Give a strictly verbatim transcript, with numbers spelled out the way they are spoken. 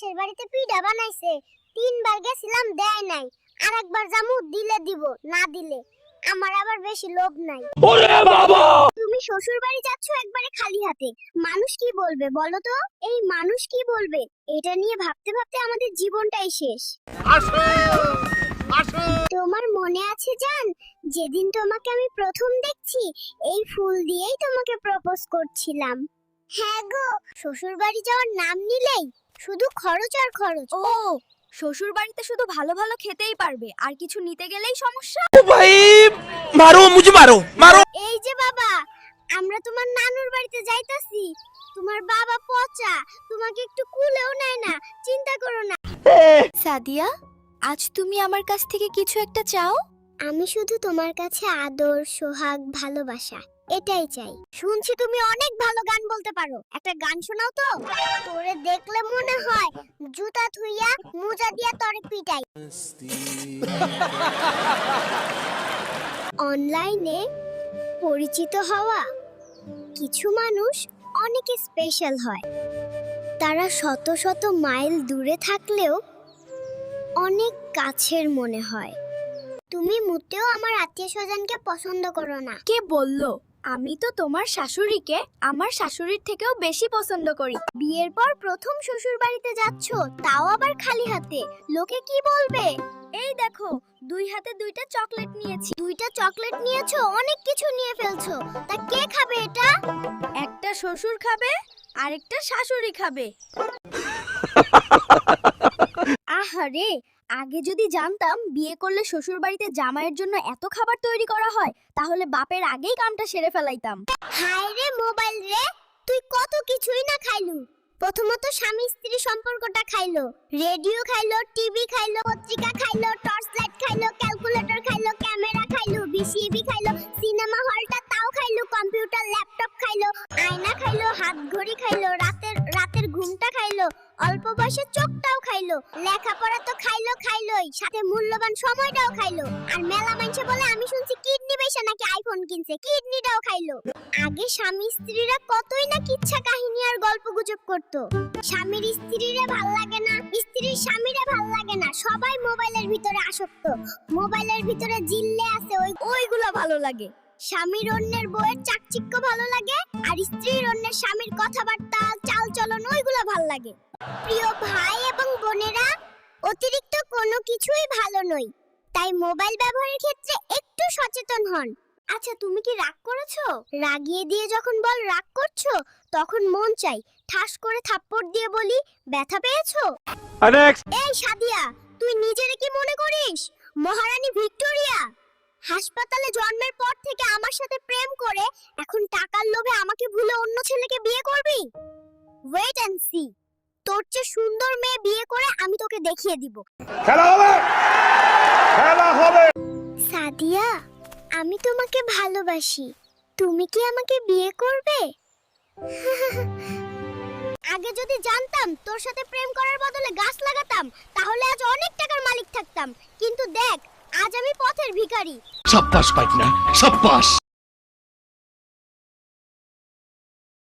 পাশের বাড়িতে পিঠা বানাইছে, তিনবার গেছিলাম দেয় নাই, আর একবার জামু দিলে দিব, না দিলে আমার আবার বেশি লোভ নাই। ওরে বাবা, তুমি শ্বশুর বাড়ি যাচ্ছ একবারে খালি হাতে, মানুষ কি বলবে বলো তো? এই মানুষ কি বলবে এটা নিয়ে ভাবতে ভাবতে আমাদের জীবনটাই শেষ। আসো আসো। তোমার মনে আছে জান, যেদিন তোমাকে আমি প্রথম দেখছি এই ফুল দিয়েই তোমাকে প্রপোজ করছিলাম। হ্যাঁ গো, শ্বশুর বাড়ি যাওয়ার নাম নিলেই শুধু খরচ আর খরচ। ও শ্বশুর বাড়িতে শুধু ভালো ভালো খেতেই পারবে, আর কিছু নিতে গেলেই সমস্যা। ও ভাই মারো, মুঝে মারো মারো। এই যে বাবা, আমরা তোমার নানুর বাড়িতে যাইতাছি, তোমার বাবা পচা, তোমাকে একটু কুলেও নেয় না, চিন্তা করো না। সাদিয়া, আজ তুমি আমার কাছ থেকে কিছু একটা চাও? আমি শুধু তোমার কাছে আদর, সোহাগ, ভালোবাসা এটাই চাই। শুনছি তুমি অনেক ভালো গান বলতে পারো, একটা গান শোনাও তো। তোরে দেখলে মনে হয় জুতা থুইয়া মোজা দিয়া তোরে পিটাই। অনলাইনে পরিচিত হওয়া কিছু মানুষ অনেক স্পেশাল হয়। তারা শত শত মাইল দূরে থাকলেও অনেক কাছের মনে হয়। তুমি মোটেও আমার আত্মীয় স্বজনকে পছন্দ করো না। কে বললো? আমি তো তোমার শাশুড়িকে আমার শাশুড়ির থেকেও বেশি পছন্দ করি। বিয়ের পর প্রথম শ্বশুর বাড়িতে যাচ্ছ, তাও আবার খালি হাতে, লোকে কি বলবে? এই দেখো, দুই হাতে দুইটা চকলেট নিয়েছি। দুইটা চকলেট নিয়েছো, অনেক কিছু নিয়ে ফেলছো, তা কে খাবে এটা? একটা শ্বশুর খাবে, আরেকটা শাশুড়ি খাবে। আহারে, আগে যদি জানতাম বিয়ে করলে শ্বশুর বাড়িতে জামাইয়ের জন্য এত খাবার তৈরি করা হয়, তাহলে বাপের আগেই কামটা সেরে ফেলাইতাম। হায় রে মোবাইল রে, তুই কত কিছুই না খাইলু। প্রথমত স্বামী স্ত্রী সম্পর্কটা খাইলো, রেডিও খাইলো, টিভি খাইলো, পত্রিকা খাইলো, টর্চ লাইট খাইলো, ক্যালকুলেটর খাইলো, ক্যামেরা খাইলো, ভিসিবি খাইলো, সিনেমা হলটা তাও খাইলো, কম্পিউটার ল্যাপটপ খাইলো, আয়না খাইলো, হাত ঘড়ি খাইলো, রাতের রাতের ঘুমটা খাইলো, অল্প বয়সে চোখটাও খাইলো, লেখাপড়া তো খাইলো খাইলোই, সাথে মূল্যবান সময়টাও খাইলো। আর মেলা মানুষে বলে আমি শুনছি কিডনি বেচে নাকি আইফোন কিনছে, কিডনিটাও খাইলো। আগে স্বামী স্ত্রীরা কতই না কিচ্ছা কাহিনী আর গল্প গুজব করতো। স্বামীর স্ত্রীরে ভাল লাগে না, স্ত্রীর স্বামীরে ভাল লাগে না, সবাই মোবাইলের ভিতরে আসক্ত। মোবাইলের ভিতরে জিল্লে আছে ওই ওইগুলো ভালো লাগে। স্বামীর অন্যের বউয়ের চাকচিক্য ভালো লাগে, আর স্ত্রীর অন্যের স্বামীর কথাবার্তা, চাল চলন ওইগুলো ভালো লাগে। প্রিয় ভাই এবং বোনেরা, অতিরিক্ত কোনো কিছুই ভালো নয়, তাই মোবাইল ব্যবহারের ক্ষেত্রে একটু সচেতন হন। আচ্ছা, তুমি কি রাগ করেছো? রাগিয়ে দিয়ে যখন বল রাগ করছো, তখন মন চাই ঠাস করে থাপ্পড় দিয়ে বলি ব্যথা পেয়েছো? নেক্সট। এই সাদিয়া, তুই নিজেরে কি মনে করিস মহারানী ভিক্টোরিয়া? হাসপাতালে জন্মের পর থেকে আমার সাথে প্রেম করে এখন টাকার লোভে আমাকে ভুলে অন্য ছেলেকে বিয়ে করবি? ওয়েট এন্ড সি, তোর চেয়ে সুন্দর মেয়ে বিয়ে করে আমি তোকে দেখিয়ে দিব। খেলা হবে, খেলা হবে। সাদিয়া, আমি তোমাকে ভালোবাসি, তুমি কি আমাকে বিয়ে করবে? আগে যদি জানতাম তোর সাথে প্রেম করার বদলে গাছ লাগাতাম, তাহলে আজ অনেক টাকার মালিক থাকতাম। কিন্তু দেখ, আজ আমি পথের ভিখারি। সাব্বাস পাইকনা, সাব্বাস।